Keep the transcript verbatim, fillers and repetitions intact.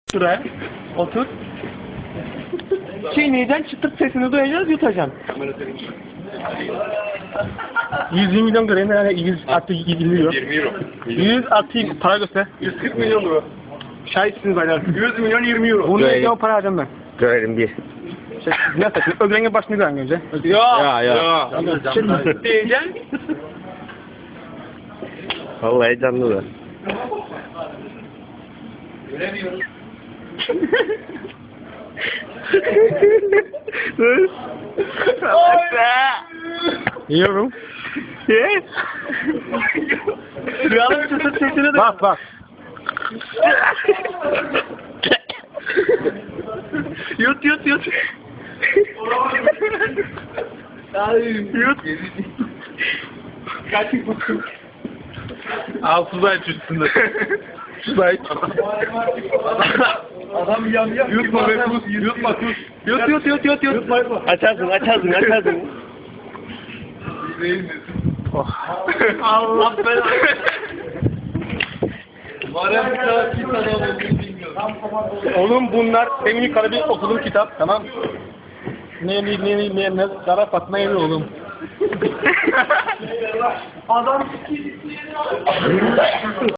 Şuraya otur. Çiğneyeceksin, çıtırt sesini duyacağız, yutacaksın. yüz yirmi milyon göreyim yani yüz artı yirmi euro. yirmi euro. yüz artı para göster. yüz kırk milyon euro. Şahitsiniz baylar. yüz milyon yirmi euro. Bunu ne o para harcam ben. Görelim bir. Şey, ne yapayım? Ögrenin başını gören önce. Ya ya. Şimdi diyeceksin. Vallahi canlı da. Göremiyoruz. Yiyorum. Ye. Rüyanın çıtırt sesini de. Bak bak. Yut yut yut. Yut. Kaç buçuk. Al Suzay üstünde. Suzay. Adam yam yam. Yutma be kus. Yutma kus. Yut yut yut yut yut. Yutma yutma. Açarsın açarsın açarsın. Allah belanı. Var ya bir tane kim adam olduğunu bilmiyorum. Oğlum bunlar benim yukarı bir okuduğum kitap, tamam. Ne ne ne ne ne Kara Fatma Evi oğlum. Adam